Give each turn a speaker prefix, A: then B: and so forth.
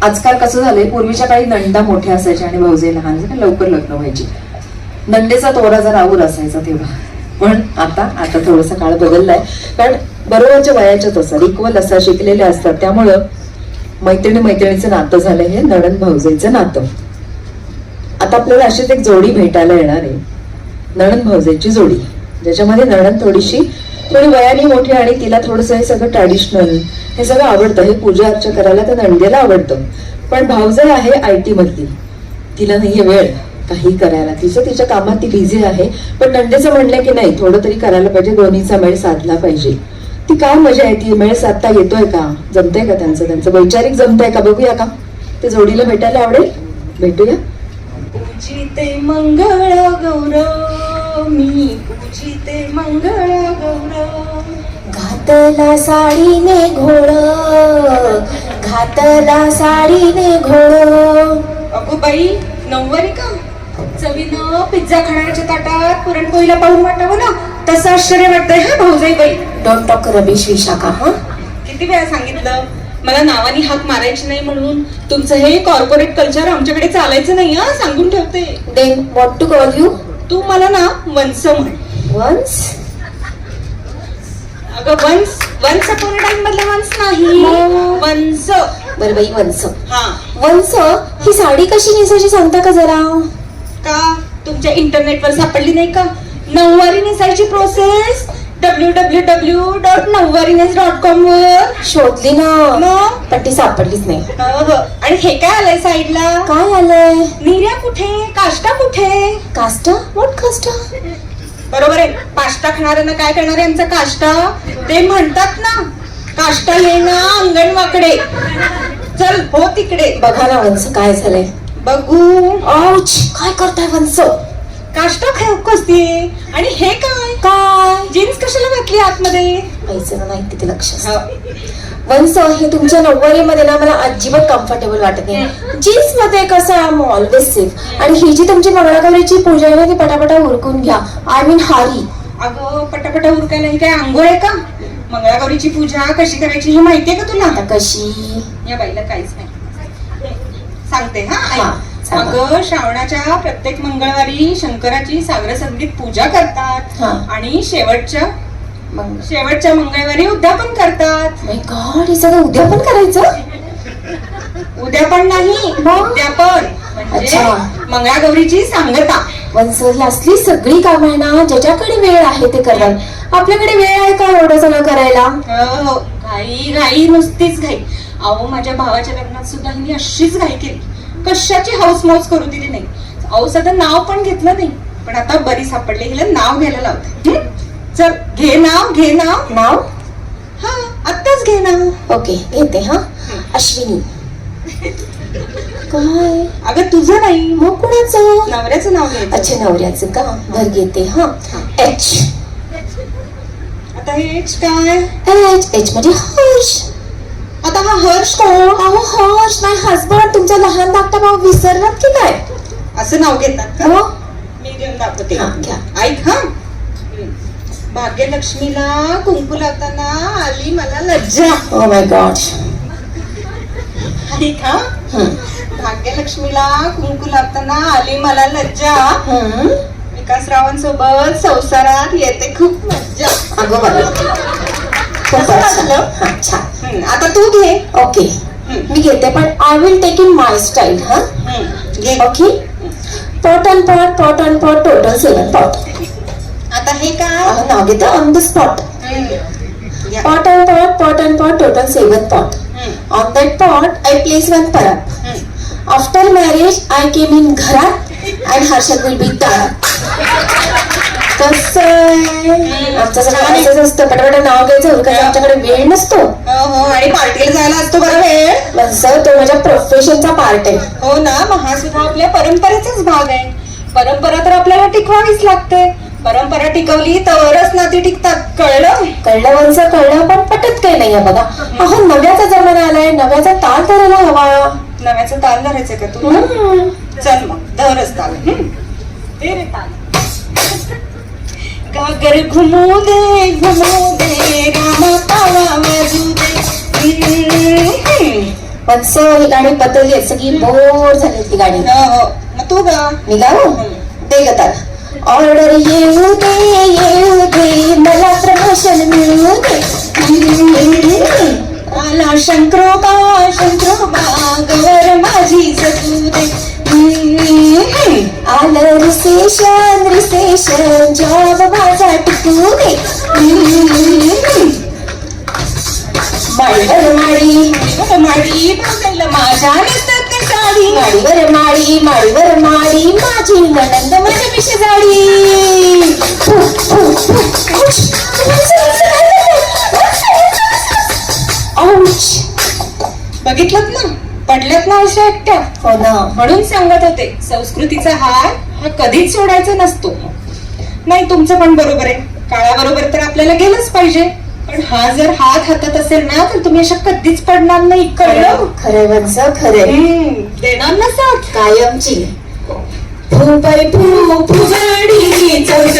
A: आजकाल कसं झालंय, पूर्वीच्या काळी नंदा मोठ्या असायच्या आणि भाऊजे लहान, लवकर लग्न व्हायची. नंदेचा तोरा जरा आऊर असायचा तेव्हा. पण आता थोडासा काळ बदललाय, कारण बरोबरच्या वयाच्याच असतात, इक्वल असतात, शिकलेले असतात. त्यामुळं मैत्रिणीचं नातं झालंय हे नणंद भाऊजेचं नातं. आता आपल्याला अशीच एक जोडी भेटायला येणार आहे, नणंद भाऊजेची जोडी, ज्याच्यामध्ये नणंद थोडी वयाने मोठी आणि तिला थोडंसं हे सगळं ट्रॅडिशनल हे सगळं आवडतं. हे पूजा अर्चा करायला तर नणंदेला आवडतं. पण भाऊजे आहे IT मधली, तिला नाहीये वेळ काही करायला, तिच्या कामात ती बिझी आहे. पण नंदेचं म्हणलंय की नाही, थोडं तरी करायला पाहिजे, दोन्हीचा मेळ साधला पाहिजे. ती काय मजा आहे, ती मेळ साधता येतोय का, जमतंय का त्यांचं वैचारिक जमतंय का, बघूया का. ते जोडीला भेटायला आवडेल, भेटूया.
B: पूजिते मंगळ गौरव, मी पूजिते मंगळ गौरव.
C: घातला साडीने घोळ, घातला साडीने घोळ.
B: अगो बाई, नऊवारी का? चवीनं पिझ्झा खाण्याच्या ताटात पुरणपोळीला पाहून वाटावं ना, तसं आश्चर्य वाटतंय हा भाऊजाई बाई.
C: Don't talk rubbish Vishakha. हा,
B: किती वेळा सांगितलं मला नावानी हाक मारायची नाही म्हणून. तुमचं हे कॉर्पोरेट कल्चर आमच्याकडे चालायचं नाही हा, सांगून ठेवते.
C: Then what to call you?
B: तू मला ना वंस म्हण.
C: वन्स?
B: अगं वन्स अपॉन अ टाइम मधला वन्स नाही, वंस.
C: बरं बाई, वंस.
B: हा.
C: वंस ही साडी कशी नेसायची सांगता का जरा?
B: का तुमच्या इंटरनेटवर सापडली नाही का नऊवारी नेसायची प्रोसेस? www.नऊवारीनेस.com वर
C: शोधली ना,
B: मग?
C: पण ती सापडलीच नाही.
B: आणि हे काय आलंय साईडला?
C: काय आलंय?
B: निर्या कुठे, काष्टा कुठे?
C: कास्टा? व्हॉट कास्टा?
B: बरोबर आहे, पाष्टा खाणाऱ्यांना काय करणार आहे आमचा काष्टा? ते म्हणतात ना, काष्टा येणं अंगण वाकडे. चल हो तिकडे.
C: बघा ना वंस, काय झालंय
B: बघू.
C: औच, काय करताय वंस?
B: काष्टा कसते? आणि हे काय
C: काय
B: जीन्स कशाला घातली आतमध्ये?
C: पैसे नाही किती लक्ष असतं. वंस, हे तुमच्या नऊवारीमध्ये ना मला अजिबात कम्फर्टेबल वाटत नाही. जीन्स मध्ये कसं आय एम ऑलवेज सेफ. आणि ही जी तुमची मंगळागौरीची पूजा आहे ना, ती पटापटा उरकून घ्या. आय मीन हारी.
B: अगं पटापटा उरकायला ही काय आंघोळ आहे का? मंगळागौरीची पूजा कशी करायची हे माहितीये का तुला?
C: आता कशी?
B: या बाईला काहीच नाही सांगते हा.
C: हा,
B: अगं श्रावणाच्या प्रत्येक मंगळवारी शंकराची सागर संगीत पूजा करतात. आणि शेवटच्या मंगळवारी उद्यापन करतात.
C: माय गॉड, हे सगळं उद्यापन करायचं?
B: उद्यापन नाही, उद्यापन म्हणजे मंगळागौरीची सांगता.
C: वंस, ही असली सगळी कामं आहे ना, ज्याच्याकडे वेळ आहे ते करतात. आपल्याकडे वेळ आहे का एवढं सगळं करायला?
B: हो, घाई घाई, नुसतीच घाई. अहो माझ्या भावाच्या लग्नात सुद्धा हिने अशीच घाई केली, कशाची हाऊस मौज करू दिली नाही. अहो सध्या नाव पण घेतलं नाही, पण आता बरी सापडले, हिला नाव घ्यायला लावते. चल घे नाव, घे नाव.
C: नाव?
B: हा, आत्ताच घे नाव.
C: ओके, घेते. हा, अश्विनी. काय?
B: अगं तुझं नाही,
C: मग कुणाचं?
B: नवऱ्याचं नाव घ्यायचं.
C: अच्छा, नवऱ्याचं का? भर घेते. हा, एच.
B: आता हे एच काय?
C: एच म्हणजे हर्ष.
B: आता हा हर्ष कोण?
C: अहो हर्ष, माय हसबंड. तुमचा लहान धाकटा भाऊ विसरलात की काय?
B: असं नाव घेतात का?
C: हो.
B: मी घेऊन दाखवते.
C: हा, घ्या.
B: ऐक हा. भाग्यलक्ष्मीला कुंकू लावताना आली मला लज्जा.
C: Oh my God.
B: ऐक हा. भाग्यलक्ष्मीला कुंकू लावताना आली मला लज्जा. विकासरावांसोबत संसारात येते खूप मज्जा.
C: अगो बाबा, छान.
B: आता तू घे.
C: ओके, मी घेते, पण I will take in my style. हा, okay. Pot and pot, pot and pot, total 7 pot.
B: आता हे काय?
C: नाव घेते on the spot. Pot and pot, pot and pot, total 7 pot. On that pot, I place one parat. After marriage, I came in घरात and Harshad will be दारात. कसं आमचं सगळं असंच असतं, पटापट नाव घ्यायचं उरकायचं, आमच्याकडे वेळ नसतो.
B: हो, आणि पार्टीला जायला असतो बरं वेळ.
C: म्हणजे तो माझ्या प्रोफेशनचा पार्ट आहे.
B: हो ना, मग हा सुद्धा आपल्या परंपरेचाच भाग आहे. परंपरा तर आपल्याला टिकवावीच लागते. परंपरा टिकवली तरच ना ती टिकतात.
C: कळलं वंस, कळलं, पण पटत काही नाहीये बघा. अहो नव्याचा जमाना आलाय, नव्याचा ताल धरायला हवा.
B: नव्याचा ताल धरायचं का तू? चल मग धरच ताल. ते रे ताल. गागर घुमू दे रामा तावा वाजू दे.
C: पण ही गाणी बदलली आहेत, सगळी बोर झाली ती गाणी.
B: हो, मग तू गा.
C: मी गाऊ ते गतात. ऑर्डर येऊ दे मला प्रमोशन मिळू दे.
B: आला शंकरोबा गवर माझी जगू दे.
C: आलं रिसेशन जॉब माझा टिकू दे. माळीवर माळी
B: माडी बघायला माझ्या नेसतात ते साडी.
C: माळीवर माळी माझी नणंद माझ्या मिशी जाडी.
B: बघितलं ना, पडल्यात ना अशा एकट्या.
C: हो ना.
B: म्हणून सांगत होते संस्कृतीचा हार हा कधीच सोडायचा नसतो. नाही, तुमचं पण बरोबर आहे, काळाबरोबर तर आपल्याला गेलंच पाहिजे. पण हा जर हात हातात असेल ना तर तुम्ही अशा कधीच पडणार नाही. कळलं?
C: खरे वंश खरे.
B: देणार ना साथ
C: कायमची. फुजडी